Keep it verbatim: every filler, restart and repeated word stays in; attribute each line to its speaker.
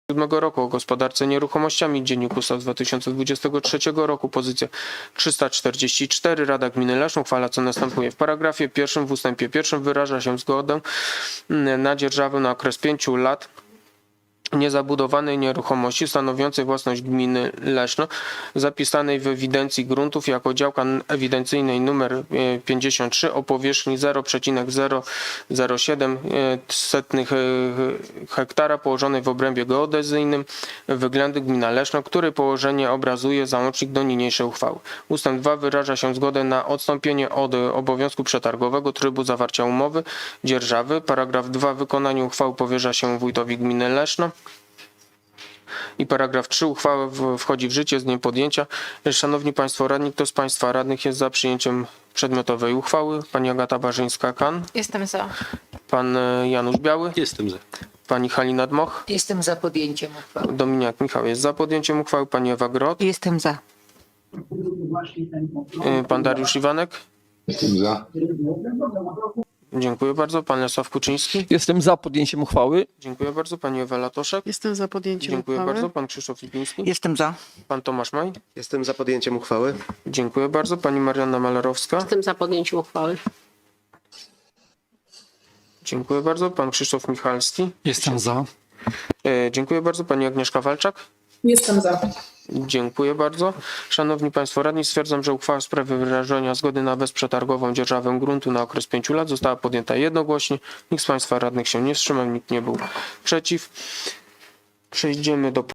Speaker 1: siódmego roku o gospodarce nieruchomościami, Dziennik Ustaw z dwa tysiące dwudziestego trzeciego roku, pozycja trzysta czterdzieści cztery. Rada Gminy Leszno uchwala, co następuje. W paragrafie pierwszym w ustępie pierwszym wyraża się zgodę na dzierżawę na okres pięciu lat niezabudowanej nieruchomości stanowiącej własność gminy Leszno, zapisanej w ewidencji gruntów jako działka ewidencyjnej nr pięćdziesiąt trzy o powierzchni zero przecinek zero zero siedem hektara położonej w obrębie geodezyjnym Wyględy gmina Leszno, który położenie obrazuje załącznik do niniejszej uchwały. Ustęp dwa wyraża się zgodę na odstąpienie od obowiązku przetargowego trybu zawarcia umowy dzierżawy. Paragraf dwa. Wykonanie uchwały powierza się wójtowi gminy Leszno. I paragraf trzy. Uchwała wchodzi w życie z dniem podjęcia. Szanowni Państwo Radni, kto z Państwa radnych jest za przyjęciem przedmiotowej uchwały? Pani Agata Barzyńska-Kan.
Speaker 2: Jestem za.
Speaker 1: Pan Janusz Biały.
Speaker 3: Jestem za.
Speaker 1: Pani Halina Dmoch.
Speaker 4: Jestem za podjęciem uchwały.
Speaker 1: Dominiak Michał jest za podjęciem uchwały. Pani Ewa Grot.
Speaker 2: Jestem za.
Speaker 1: Pan Dariusz Iwanek.
Speaker 5: Jestem za.
Speaker 1: Dziękuję bardzo. Pan Lesław Kuczyński.
Speaker 6: Jestem za podjęciem uchwały.
Speaker 1: Dziękuję bardzo. Pani Ewa Latoszek.
Speaker 7: Jestem za podjęciem
Speaker 1: Dziękuję
Speaker 7: uchwały.
Speaker 1: bardzo. Pan Krzysztof Lipiński.
Speaker 7: Jestem za.
Speaker 1: Pan Tomasz Maj.
Speaker 3: Jestem za podjęciem uchwały.
Speaker 1: Dziękuję bardzo. Pani Marianna Malerowska.
Speaker 2: Jestem za podjęciem uchwały.
Speaker 1: Dziękuję bardzo. Pan Krzysztof Michalski.
Speaker 6: Jestem za.
Speaker 1: E, Dziękuję bardzo. Pani Agnieszka Walczak.
Speaker 8: Jestem za.
Speaker 1: Dziękuję bardzo. Szanowni Państwo Radni, stwierdzam, że uchwała w sprawie wyrażenia zgody na bezprzetargową dzierżawę gruntu na okres pięciu lat została podjęta jednogłośnie. Nikt z Państwa Radnych się nie wstrzymał, nikt nie był przeciw. Przejdziemy do